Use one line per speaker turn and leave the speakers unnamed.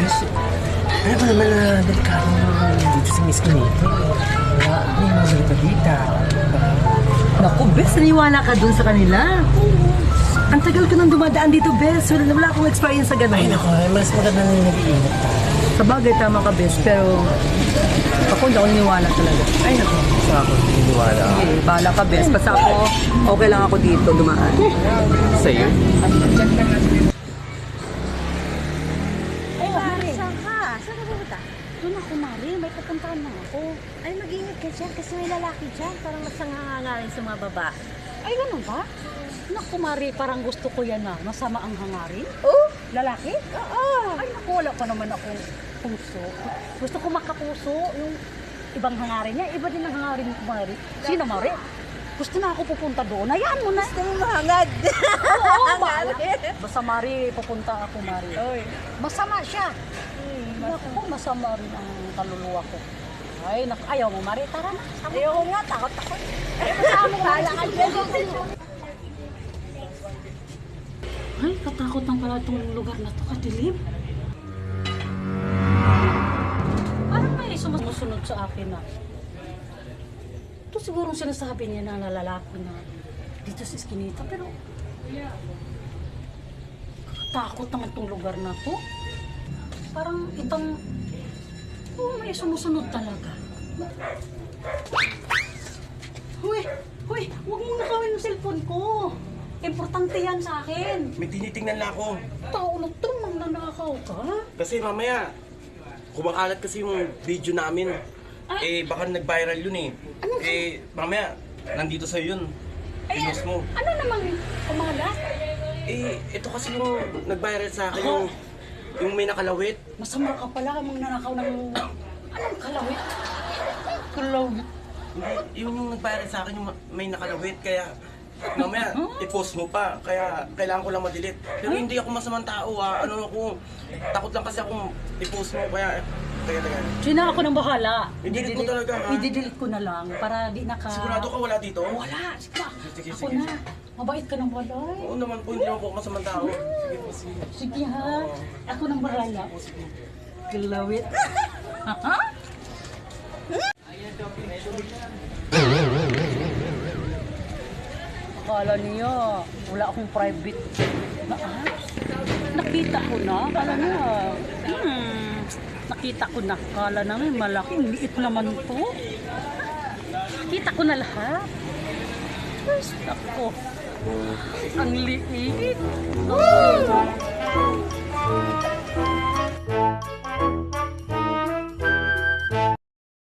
Alam mo naman na delikado dito sa Miss Canito. Wala, may mga balita.
Naku, Bes, naniwala ka dun sa kanila. Ang tagal ko nang dumadaan dito, Bes. Wala akong experience sa ganun.
Ay, naku, mas maganda na nag-iingat tayo.
Sa bagay, tama ka, Bes. Pero ako hindi ako naniwala talaga.
Ay, naku, sa ako, niniwala ako.
Eh, bahala ka, Bes. Basta ako, okay lang ako dito dumaan.
Sa'yo?
Ay, Mari. Saan ka? Saan ka pupunta? Doon ako, Mari. May pupuntahan na ako. Ay, mag-ingat ka dyan kasi may lalaki dyan. Parang mas nangangarin sa mga baba.
Ay, ganun ba? Naku, Mari, parang gusto ko yan masama ang hangarin.
Oh?
Lalaki?
Oo.
Ay, naku, wala pa naman akong puso. Gusto ko makapuso yung ibang hangarin niya. Iba din ang hangarin ko, Mari. Sino, Mari? Gusto na ako pupunta doon. Hayaan mo na.
Gusto mo mahangad.
Oo, basta, Mari, pupunta ako, Mari.
Oy.
Masama siya. Naku, masama rin ang kaluluwa ko. Ay, naku, ayaw mo, Mari. Tara na.
Ayoko nga, takot ako.
Masama mo,
Bahala ka dyan.
Ay, katakot ng pala itong lugar na to, kadilim. Parang may sumusunod sa akin na. Ito siguro sinasabi niya na lalaki na dito sa Eskinita, pero takot naman itong lugar na to. Parang itong, may sumusunod talaga. Huy, huwag mong nakawin yung cellphone ko. Importante yan sa akin.
May tinitingnan na ako.
Tao na ito, magnanakaw ka.
Kasi mamaya, kumakalat kasi yung video namin. Eh, baka nag-viral yun eh. Mamaya, nandito sa'yo yun. Pinost mo.
Ano namang kumalat?
Eh, ito kasi yung nag-viral sa akin, yung may nakalawit.
Masama ka pala, magnanakaw ng... Anong kalawit? Kalawit?
Hindi, yung nag-viral sa akin, yung may nakalawit. Kaya, mamaya, i-post mo pa. Kaya, kailangan ko lang ma-delete. Pero hindi ako masamang tao Ano ako, takot lang kasi akong i-post mo. Kaya.
Sina ako nang bahala.
I-delete mo talaga, ha?
I-delete ko na lang para di naka...
Sigurado ka wala dito?
Wala.
Sige,
Ako
sige.
na. Mabait ka ng walay.
Oo naman po, hindi naman po ako masamang tao. Sige po, sige.
Sige ha. Ako nang bahala. Kalawit. Ha? Akala niya, wala akong private na apps. Nakita ko na, akala niya, nakita ko na, akala namin malaking liit naman to. Nakita ko na lahat. Yes, ako, ang liit.